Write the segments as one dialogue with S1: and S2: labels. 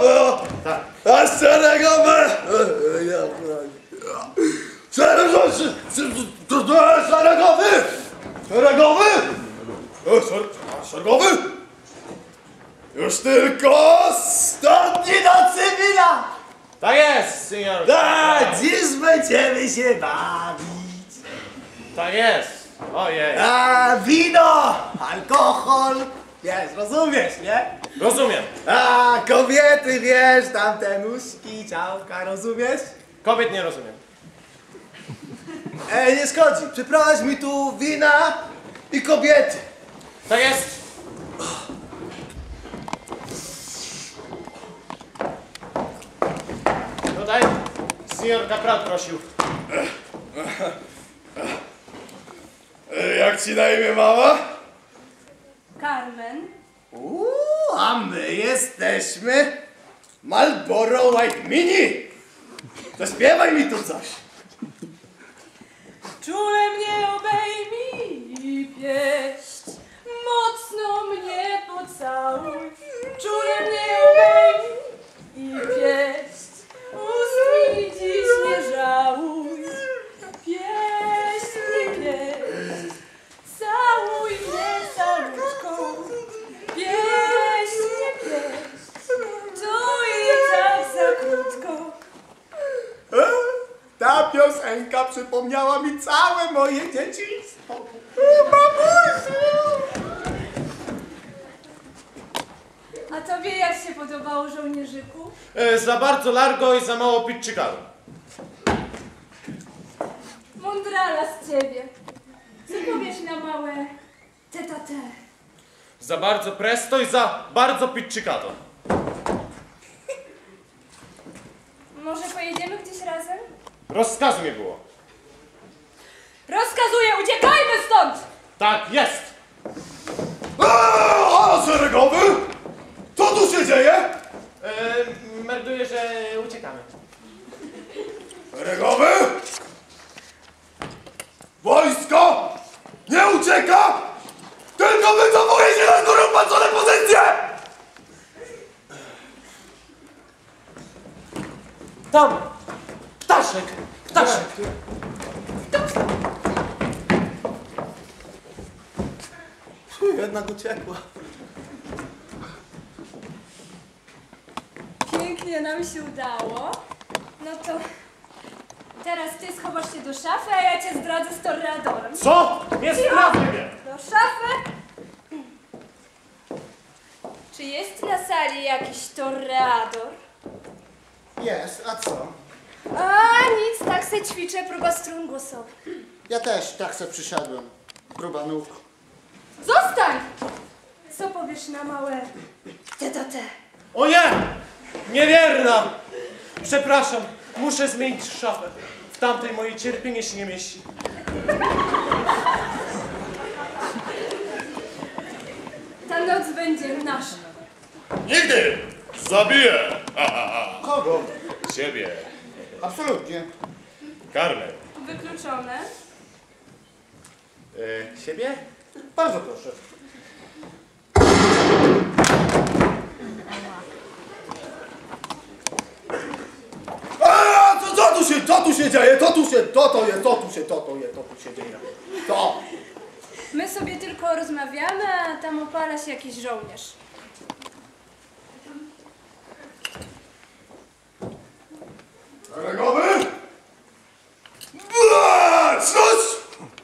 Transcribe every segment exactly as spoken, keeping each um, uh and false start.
S1: Tak.
S2: A szeregowy! Szeregowy! Szeregowy! Szeregowy! Szeregowy! Już tylko stopni do cywila!
S1: Tak jest, senior.
S2: Tak, dziś będziemy się bawić.
S1: Tak jest. Ojej.
S2: A wino, alkohol, wiesz, rozumiesz, nie?
S1: Rozumiem.
S2: A kobiety, wiesz, tamte nóżki, ciałka, rozumiesz?
S1: Kobiet nie rozumiem.
S2: Ej, nie szkodzi, przyprowadź mi tu wina i kobiety.
S1: Tak jest. Tutaj senior kapral prosił.
S2: Jak ci na imię, mama?
S3: Carmen.
S2: Uuu, a my jesteśmy Marlboro White Mini. Zaśpiewaj mi tu coś.
S3: Czule mnie obejmij i pieść, mocno mnie pocałuj. Czule mnie obejmij i pieść, ust mi dziś nie żałuj. Pieść mnie, pieść, całuj mnie całuczką. Pieść mnie, pieść, to i tak za krótko.
S2: E? Ta piosenka przypomniała mi całe moje dzieciństwo. O, mamusiu!
S3: A tobie jak się podobało, żołnierzyku?
S1: E, za bardzo largo i za mało pitczykanu.
S3: Mądrala z ciebie. Co powiesz na małe tete?
S1: Za bardzo presto i za bardzo pitczykano.
S3: Może pojedziemy gdzieś razem?
S1: Rozkazu nie było.
S3: Rozkazuję, uciekajmy stąd!
S1: Tak jest.
S2: Eee, a szeregowy? Co tu się dzieje?
S1: E, melduję, że uciekamy.
S2: Szeregowy? Wojsko nie ucieka, tylko wycofuje się na górę patrzone pozycje!
S1: Tam! Ptaszek! Ptaszek!
S2: Jednak uciekła.
S3: Pięknie nam się udało. No to teraz ty schowasz się do szafy, a ja cię zdradzę z torreadorem.
S1: Co? Nie sprawdzę mnie!
S3: Do szafy? Czy jest na sali jakiś torreador?
S4: Jest, a co?
S3: A nic, tak se ćwiczę, próba strun głosowych.
S4: Ja też tak se przysiadłem. Próba nóg.
S3: Zostań! Co powiesz na małe tete?
S1: O nie! Niewierna! Przepraszam, muszę zmienić szafę. W tamtej moje cierpienie się nie mieści.
S3: Ta noc będzie nasza.
S2: Nigdy! Zabiję! Ha, ha, ha.
S4: Kogo?
S2: Ciebie.
S4: Absolutnie.
S2: Carmen.
S3: Wykluczone.
S1: E, siebie?
S4: Bardzo proszę.
S2: A, co, co tu się, co tu się dzieje? Co tu się, to to jest, to tu się, to to jest, to tu się dzieje. To.
S3: My sobie tylko rozmawiamy, a tam opala się jakiś żołnierz.
S2: Szeregowy? Bla, Cóż!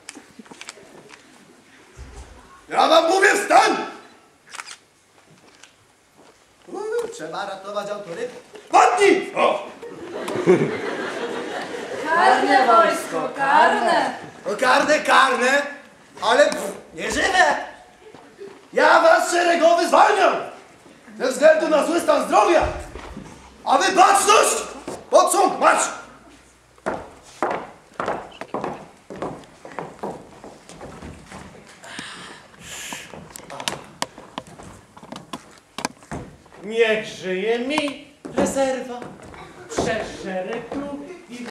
S2: Ja wam mówię, wstań! Uuu, trzeba ratować autorytet. Padnij! O!
S3: Karne wojsko, karne!
S2: No karne, karne, ale pff, nie żywe! Ja was szeregowy zwalniam! Ze względu na zły stan zdrowia! A wy baczność! Pod sąd, marsz!
S1: Niech żyje mi rezerwa. Przeszereglu